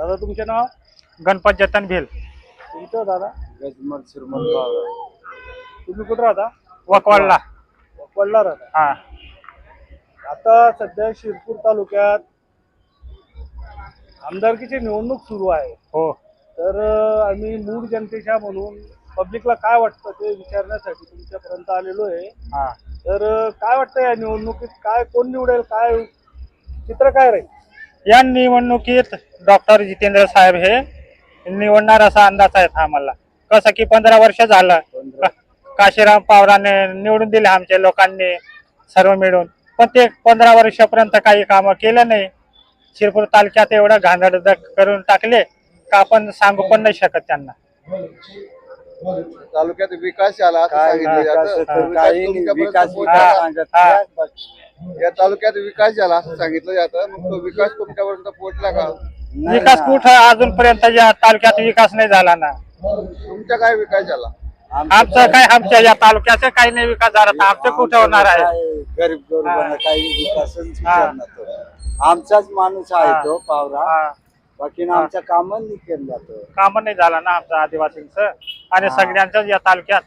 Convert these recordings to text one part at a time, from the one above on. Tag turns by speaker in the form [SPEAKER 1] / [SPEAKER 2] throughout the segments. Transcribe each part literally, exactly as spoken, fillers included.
[SPEAKER 1] दादा तुमचे नाव?
[SPEAKER 2] गणपत जतन भेल.
[SPEAKER 1] तुमचं दादा?
[SPEAKER 3] गजमल सुरमल पावरा.
[SPEAKER 1] तुम्ही कुठं राहता?
[SPEAKER 2] वकवाडला.
[SPEAKER 1] वकवाडला राहता.
[SPEAKER 2] हा.
[SPEAKER 1] आता सध्या शिरपूर तालुक्यात आमदारकीची निवडणूक सुरू आहे.
[SPEAKER 2] हो.
[SPEAKER 1] तर अं, आम्ही मूळ जनतेच्या म्हणून पब्लिकला काय वाटतं ते विचारण्यासाठी तुमच्यापर्यंत आलेलो आहे.
[SPEAKER 2] हा.
[SPEAKER 1] तर अं, काय वाटतं या निवडणुकीत काय कोण निवडेल, काय चित्र काय राहील?
[SPEAKER 2] या निवडणुकीत डॉक्टर जितेंद्र साहेब हे निवडणार असा अंदाज आहे आम्हाला. कसं की पंधरा वर्ष झालं का- काशीराम पवारांनी निवडून दिले आमच्या लोकांनी सर्व मिळून, पण ते पंधरा वर्षापर्यंत काही कामं केलं नाही. शिरपूर तालुक्यात एवढं घाणेरडं करून टाकले का आपण सांगू पण नाही शकत त्यांना.
[SPEAKER 3] तालुक्यात विकास झाला असं
[SPEAKER 2] काय
[SPEAKER 3] सांगितलं
[SPEAKER 2] विकास
[SPEAKER 3] जातं.
[SPEAKER 2] होतो,
[SPEAKER 3] विकास
[SPEAKER 4] काही
[SPEAKER 3] तुमच्यापर्यंत
[SPEAKER 4] विकास
[SPEAKER 3] पोहोचला
[SPEAKER 2] हा.
[SPEAKER 3] का?
[SPEAKER 4] सांगत
[SPEAKER 2] हा.
[SPEAKER 4] नाही.
[SPEAKER 3] या तालुक्यात विकास झाला असं सांगितलं जातं. मग तो विकास तुमच्यापर्यंत पोहोचला का?
[SPEAKER 4] नाही
[SPEAKER 2] विकास
[SPEAKER 4] ना.
[SPEAKER 2] कुठं अजूनपर्यंत या तालुक्यात विकास नाही झाला ना.
[SPEAKER 3] तुमचा काय विकास झाला?
[SPEAKER 2] आमचं काय आमच्या या तालुक्याचा काही नाही विकास झाला तर आमचं कुठं होणार आहे?
[SPEAKER 4] काय गरीब गरिबांना
[SPEAKER 2] हा.
[SPEAKER 4] काही विकासच
[SPEAKER 2] हा.
[SPEAKER 4] करणार तो. आमचाच माणूस आहे
[SPEAKER 2] हा.
[SPEAKER 4] तो पावरा.
[SPEAKER 2] हा.
[SPEAKER 4] बाकी
[SPEAKER 2] हा.
[SPEAKER 4] आमचं काम नाही केलं जातो.
[SPEAKER 2] काम नाही झालं ना आमचं आदिवासींचं आणि
[SPEAKER 4] हा.
[SPEAKER 2] सगळ्यांच्याच या तालुक्यात.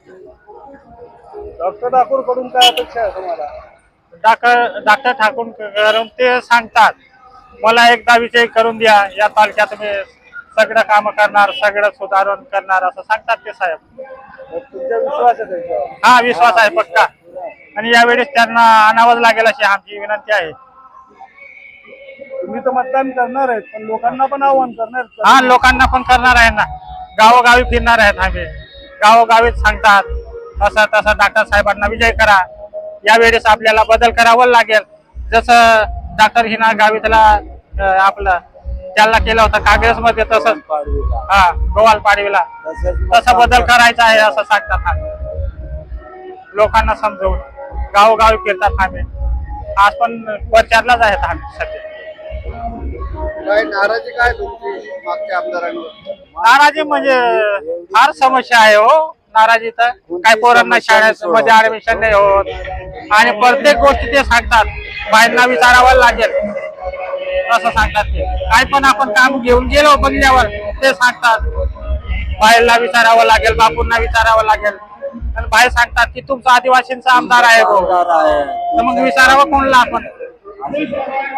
[SPEAKER 1] डॉक्टर ठाकूर कडून काय अपेक्षा आहे तुम्हाला?
[SPEAKER 2] डॉक्टर डॉक्टर ठाकूर करून ते सांगतात मला एकदा विजय करून द्या, या तालुक्यात मी सगळं काम करणार, सगळं सुधारण करणार असं सांगतात ते साहेब.
[SPEAKER 1] तर तुमचा विश्वास आहे त्यांच्यावर?
[SPEAKER 2] हा विश्वास आहे पक्का. आणि यावेळेस त्यांना आणावंच लागेल अशी आमची विनंती आहे.
[SPEAKER 1] तुम्ही तर मतदान करणार आहेत पण लोकांना पण आव्हान करणार आहेत.
[SPEAKER 2] हा लोकांना पण करणार आहे ना, गावोगावी फिरणार आहेत आम्ही. गावोगावीच सांगतात असं तसं डॉक्टर साहेबांना विजय करा, यावेळेस आपल्याला बदल करावा लागेल. जसं डॉक्टर हिना गावितला अं, आपलं त्याला केलं होतं काँग्रेसमध्ये तसंच
[SPEAKER 4] पाडवीला.
[SPEAKER 2] हा गोवाल पाडवीला
[SPEAKER 4] तसंच
[SPEAKER 2] तसा बदल करायचा आहे असं सांगतात आम्ही. लोकांना समजवून गावोगावी फिरतात आम्ही. आज पण प्रचारलाच आहेत आम्ही सध्या.
[SPEAKER 3] काय नाराजी काय तुमची मागच्या आमदारांवर?
[SPEAKER 2] नाराजी म्हणजे फार समस्या आहे हो. नाराजी तर काही पोरांना शाळेत मध्ये ऍडमिशन नाही होत आणि प्रत्येक गोष्टी ते सांगतात बाहेरना विचारावं लागेल असं सांगतात ते. काय पण आपण काम घेऊन गेलो बंगल्यावर ते सांगतात बाहेरला विचारावं लागेल, बापूंना विचारावं लागेल. आणि बाहेर सांगतात की तुमचा आदिवासींचा आमदार आहे भाऊ,
[SPEAKER 4] आमदार आहे.
[SPEAKER 2] तर मग विचारावं कोणला आपण?